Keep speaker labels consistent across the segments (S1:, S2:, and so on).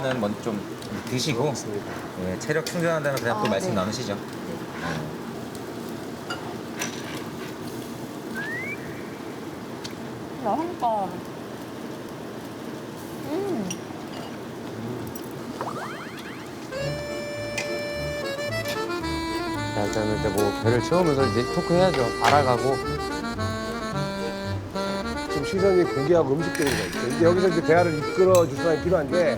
S1: 먼저 좀 드시고 예, 체력 충전한 다음에 그냥 또 말씀
S2: 네.
S1: 나누시죠.
S2: 맛있다.
S3: 자, 일단은 이제 뭐 배를 채우면서 이제 토크해야죠. 알아가고.
S4: 지금 시선이 고기하고 음식들인 거 있죠. 이제 여기서 이제 대화를 이끌어 줄 사람이 필요한데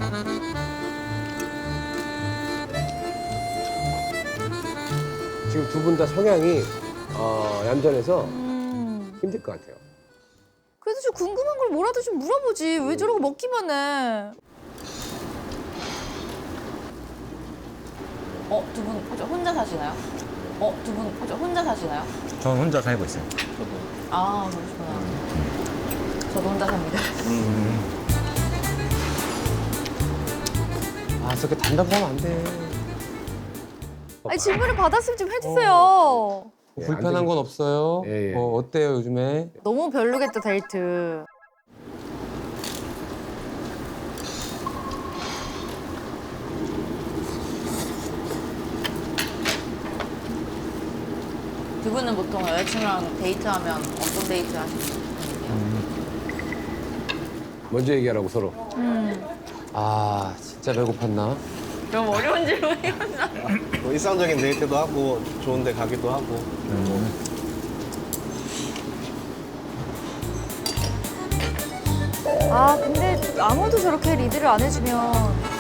S4: 지금 두 분 다 성향이 얌전해서 힘들 것 같아요.
S2: 그래도 좀 궁금한 걸 뭐라도 좀 물어보지. 왜 저러고 먹기만 해.
S5: 두 분 혹시 혼자 사시나요? 두 분 혹시 혼자 사시나요?
S1: 저는 혼자 살고 있어요.
S5: 아, 그러시구나. 저도 혼자 삽니다.
S3: 아, 저렇게 단답하면 안 돼.
S2: 아니 질문을 받았으면 좀 해주세요.
S4: 예,
S3: 불편한
S4: 안
S3: 건 없어요?
S4: 예, 예.
S3: 어때요, 요즘에?
S2: 너무 별로겠다 데이트.
S5: 두 분은 보통 여자친구랑 데이트하면 어떤 데이트 하시는 편이세요?
S4: 먼저 얘기하라고 서로.
S3: 아, 진짜 배고팠나?
S5: 너무 어려운 질문이었나?
S6: 뭐 일상적인 데이트도 하고 좋은 데 가기도 하고
S2: 아 근데 아무도 저렇게 리드를 안 해주면